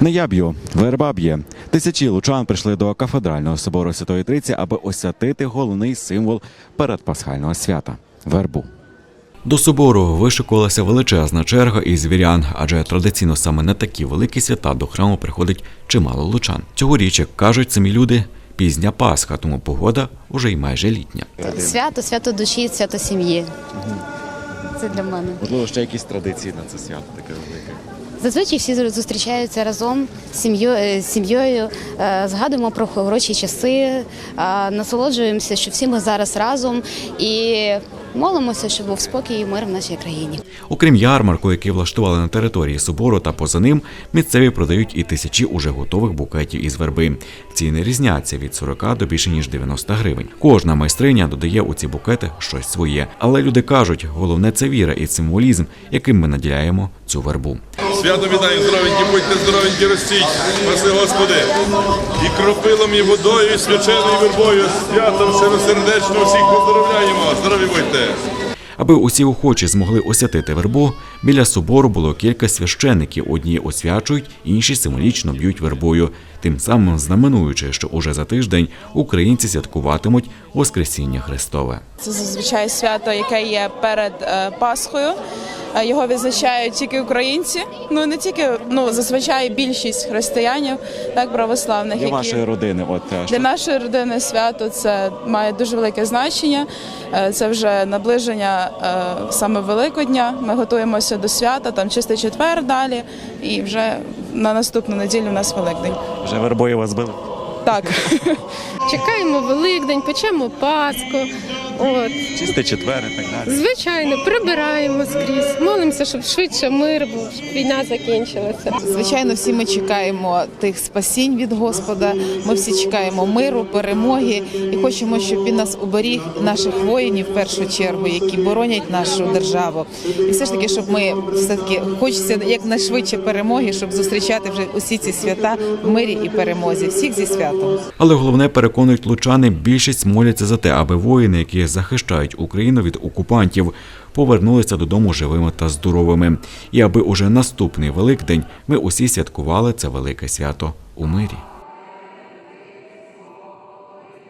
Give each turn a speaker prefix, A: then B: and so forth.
A: Не я б'ю, верба б'є. Тисячі лучан прийшли до кафедрального собору Святої Трійці, аби освятити головний символ передпасхального свята – вербу. До собору вишикувалася величезна черга із вірян, адже традиційно саме на такі великі свята до храму приходить чимало лучан. Цьогоріч, як кажуть самі люди, пізня Пасха, тому погода уже й майже літня.
B: Свято душі, свято сім'ї. Це для мене.
A: Можливо, ще якісь традиції на це свято таке велике?
B: Зазвичай всі зустрічаються разом з сім'єю, згадуємо про хороші часи, насолоджуємося, що всі ми зараз разом і молимося, щоб був спокій і мир в нашій країні.
A: Окрім ярмарку, який влаштували на території собору та поза ним, місцеві продають і тисячі уже готових букетів із верби. Ціни різняться від 40 до більше ніж 90 гривень. Кожна майстриня додає у ці букети щось своє. Але люди кажуть, головне – це віра і символізм, яким ми наділяємо цю вербу.
C: Свято вітаю, здоровенькі, будьте здоровенькі, ростіть, спаси Господи, і кропилом, і водою, і свяченою вербою, святом щиросердечно всіх поздоровляємо, здорові будьте.
A: Аби усі охочі змогли освятити вербу, біля собору було кілька священиків. Одні освячують, інші символічно б'ють вербою. Тим самим знаменуючи, що уже за тиждень українці святкуватимуть Воскресіння Христове.
D: Це зазвичай свято, яке є перед Пасхою. Його відзначають тільки українці, не тільки, зазвичай більшість християнів, так, православних.
A: Для вашої родини?
D: Для нашої родини свято це має дуже велике значення. Це вже наближення саме Великодня. Ми готуємося до свята, там Чистий четвер далі, і вже на наступну неділю у нас Великдень.
A: Вже вербою вас били?
D: Так.
E: Чекаємо Великдень, печемо Пасху.
A: Чистий четвер і так далі.
E: Звичайно, прибираємо скрізь, молимося, щоб швидше мир був, щоб війна закінчилася.
F: Звичайно, всі ми чекаємо тих спасінь від Господа, ми всі чекаємо миру, перемоги і хочемо, щоб він нас уберіг, наших воїнів в першу чергу, які боронять нашу державу. І все ж таки, щоб ми все-таки хочеться якнайшвидше перемоги, щоб зустрічати вже усі ці свята в мирі і перемозі. Всіх зі святом.
A: Але головне, переконують лучани, більшість моляться за те, аби воїни, які захищають Україну від окупантів, повернулися додому живими та здоровими. І аби уже наступний Великдень ми усі святкували це велике свято у мирі.